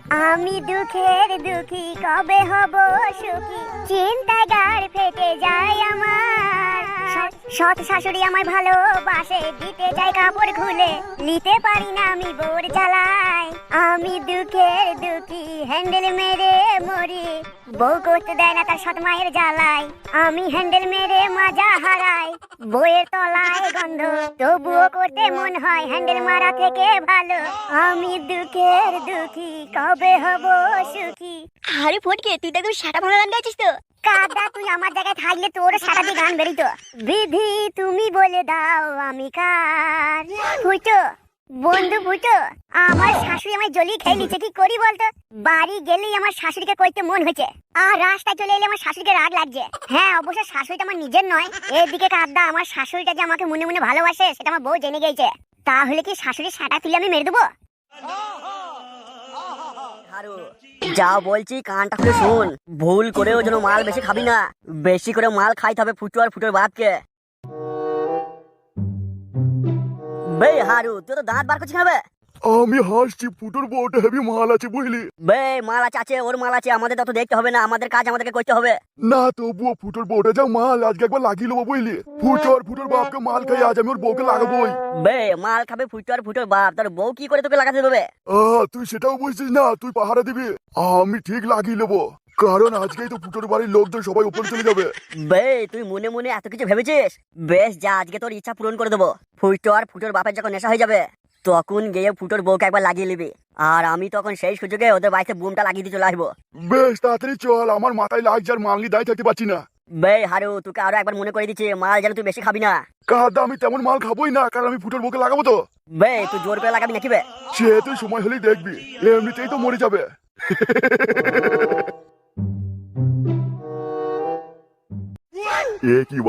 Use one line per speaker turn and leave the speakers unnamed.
আমি দুঃখের দুঃখী কবে হব সুখী, চিন্তায় গাড় ফেটে যায় আমার। সৎ শাশুড়ি আমায় ভালোবাসে, দিতে চাই কাপড় খুলে, নিতে পারি না আমি বোর জ্বালাই। আমি দুঃখের দুঃখী হ্যান্ডেল মেরে মরি, বউ করতে দেয় না তার সৎ মায়ের জ্বালায়। আমি হ্যান্ডেল মেরে মাজা হারাই, বইয়ের তলায় গন্ধ, তবুও করতে মন হয় হ্যান্ডেল মারা থেকে ভালো। আমি দুঃখের দুঃখী কবে হব সুখী।
আরে ফটকে, তুই তো একদম সাটা ভাঙা গান গাইছিস তো।
কাদা তুই আমার জায়গায় থাকলে তোর সারা দিয়ে গান বেরিত। বিধি তুমি বলে দাও আমি কার। ফুটো বন্ধু ফুটো, আমার শাশুড়ি আমায় জ্বলিয়ে খেয়ে নিচ্ছে, কি করি বলতো? বাড়ি গেলেই আমার শাশুড়িকে কইতে মন হয়েছে, আর রাস্তায় চলে এলে আমার শাশুড়িকে রাগ লাগছে। হ্যাঁ অবশ্য শাশুড়িটা আমার নিজের নয়। এদিকে কাদা আমার শাশুড়িটা যে আমাকে মনে মনে ভালোবাসে সেটা আমার বউ জেনে গেছে। তাহলে কি শাশুড়ির সাটা তুলে আমি মেরে দেবো?
যা বলছি কানটা খুলে শুন, ভুল করেও যেন মাল বেশি খাবি না। বেশি করে মাল খাইতে হবে ফুটো আর ফুটোর বাপকে। বে হারু, তুই তো দাঁত বার করছিস না বে?
আমি হাসছি, ফুটোর বউটা হেভি মাল আছে বুঝলি।
বে মাল আছে ওর মাল আছে, আমাদের তত দেখতে হবে না, আমাদের কাজ আমাদেরকে করতে হবে।
না তবুও ফুটোর বউটা যা মাল, আজকে একবার লাগিয়ে নেবো বুঝলি। ফুটো আর ফুটোর বাপকে মাল খাই, আজ আমি ওর বউকে লাগাবোই।
বে মাল খাবে ফুটো আর ফুটোর বাপ, তোর বউ কি করে তোকে লাগাতে দেবে?
তুই সেটাও বুঝছিস না, তুই পাহারা দিবি। আমি ঠিক লাগিয়ে নেবো, কারণ আজকেই তো ফুটোর বাড়ির লোকজন সবাই উপরে চলে যাবে।
বে তুই মনে মনে এত কিছু ভেবেছিস? বেশ যা, আজকে তোর ইচ্ছা পূরণ করে দেবো। ফুটো আর ফুটোর বাপের যখন নেশা হয়ে যাবে তখন গিয়ে ফুটোর বউকে একবার লাগিয়ে নিবি, আর আমি তখন সেই সুযোগে ওদের বাড়িতে বুমটা লাগিয়ে দিয়ে চলে আসবো।
বেশ তাড়াতাড়ি চল, আমার মাথায় লাগছে আর মাল নিয়ে দাঁড়িয়ে থাকতে পারছি না।
বে হারু, তোকে আরো একবার মনে করে দিচ্ছি, মাল যেন তুই বেশি খাবি না।
কাদা আমি তেমন মাল খাবোই না, কারণ আমি ফুটোর বউকে লাগাবো তো।
বে তুই জোর করে লাগাবি নাকি বে?
সে তুই সময় হলেই দেখবি, এমনিতেই তো মরে যাবে। এ কি